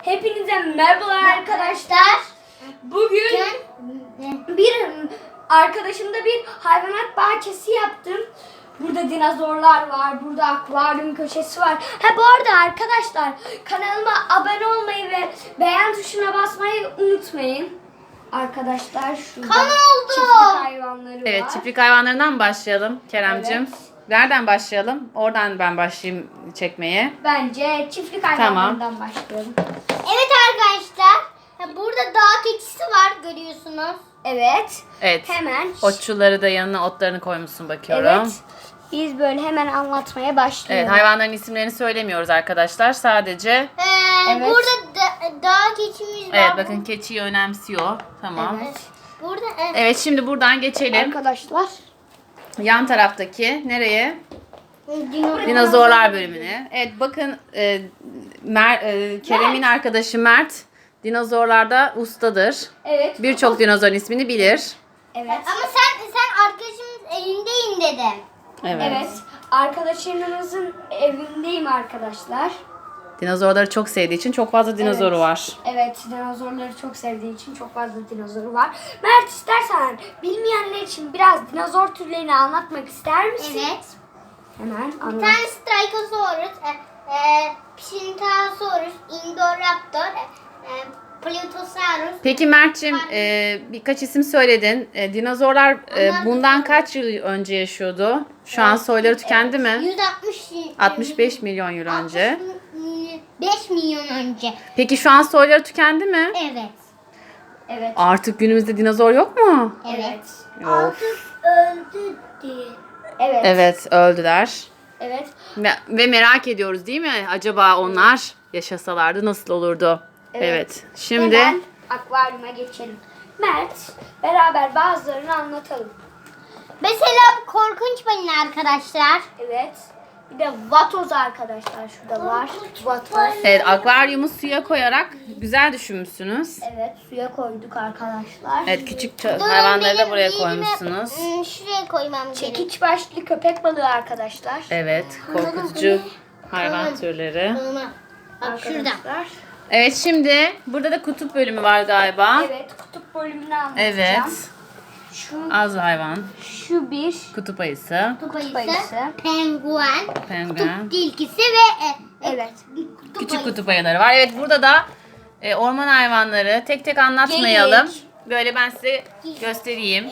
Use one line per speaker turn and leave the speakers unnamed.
Hepinize merhabalar arkadaşlar. Bugün bir arkadaşımda bir hayvanat bahçesi yaptım. Burada dinozorlar var, burada akvaryum köşesi var. Bu arada arkadaşlar kanalıma abone olmayı ve beğen tuşuna basmayı unutmayın. Arkadaşlar şurada çiftlik hayvanları var.
Evet, çiftlik hayvanlarından başlayalım Keremcim.
Evet.
Nereden başlayalım? Oradan ben başlayayım çekmeye.
Bence çiftlik hayvanlarından başlayalım.
Evet arkadaşlar. Burada dağ keçisi var görüyorsunuz.
Evet.
Evet.
Hemen.
Otçulları da yanına otlarını koymuşsun bakıyorum.
Evet. Biz böyle hemen anlatmaya başlayalım.
Evet, hayvanların isimlerini söylemiyoruz arkadaşlar. Sadece
Evet.
Burada dağ keçimiz var.
evet bakın keçiyi önemsiyor. Tamam.
Evet.
Burada
Evet, şimdi buradan geçelim.
Arkadaşlar.
Yan taraftaki nereye? Dinozorlar bölümüne. Evet bakın Kerem'in arkadaşı Mert dinozorlarda ustadır.
Evet.
Birçok dinozorun ismini bilir.
Evet.
Ama sen arkadaşımız elindeyim dedim.
Evet. Arkadaşlarımızın evindeyim arkadaşlar.
Dinozorları çok sevdiği için çok fazla dinozoru
Evet.
var.
Evet. Dinozorları çok sevdiği için çok fazla dinozoru var. Mert, istersen bilmeyenler için biraz dinozor türlerini anlatmak ister misin?
Evet.
Hemen
Bir
anlat.
tane Strigosaurus, Psittacosaurus, Indoraptor, Plutosaurus.
Peki Mert'cim birkaç isim söyledin. Dinozorlar bundan kaç yıl önce yaşıyordu? Şu an soyları tükendi mi? 65 milyon yıl önce.
5 milyon önce.
Peki şu an soyları tükendi mi?
Evet.
Evet.
Artık günümüzde dinozor yok mu?
Evet.
Yok.
Öldü diye.
Evet.
Evet, öldüler.
Evet.
Ve merak ediyoruz değil mi? Acaba onlar yaşasalardı nasıl olurdu? Evet. Şimdi
Hemen akvaryuma geçelim. Mert, beraber bazılarını anlatalım.
Mesela korkunç balina arkadaşlar.
Evet. Bir de vatoz arkadaşlar şurada var. Vatoz.
evet, akvaryumu suya koyarak güzel düşünmüşsünüz.
Evet, suya koyduk arkadaşlar.
Evet, küçük
Durun,
hayvanları da
benim
buraya
elime,
koymuşsunuz.
Şuraya koymam gerek.
Çekiç başlı köpek balığı arkadaşlar.
Evet, korkutucu hayvan türleri.
Bak şurada.
Arkadaşlar.
Evet, şimdi burada da kutup bölümü var galiba.
Evet, kutup bölümünü anlatacağım.
Evet,
Şu,
az hayvan,
şu bir
kutup ayısı,
Kutup
ayısı.
ayısı, penguen,
penguen,
kutup tilkisi ve
evet.
küçük kutup ayıları var. Evet, burada da orman hayvanları tek tek anlatmayalım.
Geyik.
Böyle ben size göstereyim.